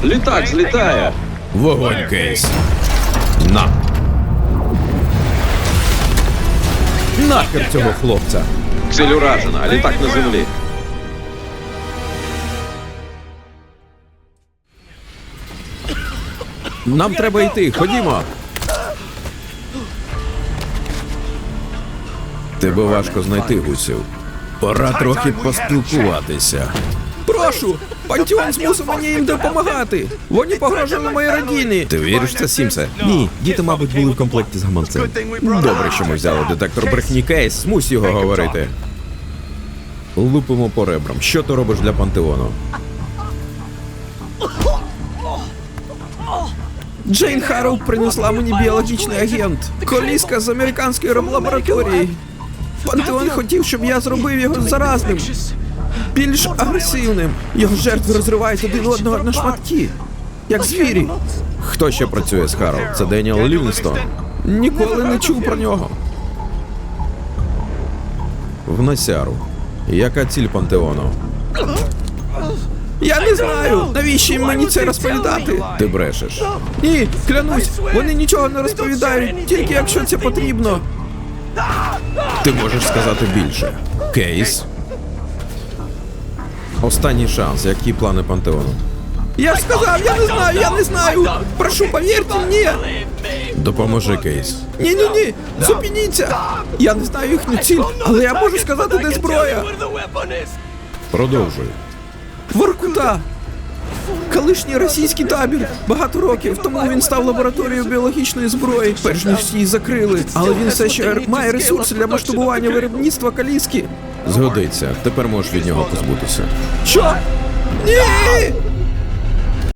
Літак злітає! Вогонь, Кейс! На! Нахер цього хлопця! Ціль уражена, літак на землі. Нам треба йти, ходімо! Тебе важко знайти, гусів. Пора трохи поспілкуватися. Прошу! Пантеон змусив мені їм допомагати! Вони погрожували моїй родині! Ти віриш в це, Сімсе? Ні, діти, мабуть, були в комплекті з гаманцем. Добре, що ми взяли детектор брехні, Кейс, змусь його говорити. Лупимо по ребрам. Що ти робиш для Пантеону? Джейн Харроу принесла мені біологічний агент. Коліска з американської лабораторії. Пантеон хотів, щоб я зробив його заразним. Більш агресивним. Його жертви розривають один одного на шматки. Як звірі. Хто ще працює з Харроу? Це Деніел Лівінстон. Ніколи не чув про нього. В Насяру. Яка ціль Пантеону? Я не знаю, навіщо їм мені це розповідати. Ти брешеш. Ні, клянусь, вони нічого не розповідають, тільки якщо це потрібно. Ти можеш сказати більше. Кейс? Останній шанс. Які плани Пантеону? Я ж сказав, я не знаю. Прошу, повірте мені. Допоможи, Кейс. Ні, зупиніться. Я не знаю їхню ціль, але я можу сказати, де зброя. Продовжуй. Воркута. Колишній російський табір. Багато років тому він став лабораторією біологічної зброї, перш ніж її закрили. Але він все ще має ресурси для масштабування виробництва каліски. Згодиться. Тепер можеш від нього позбутися. Що? Ні!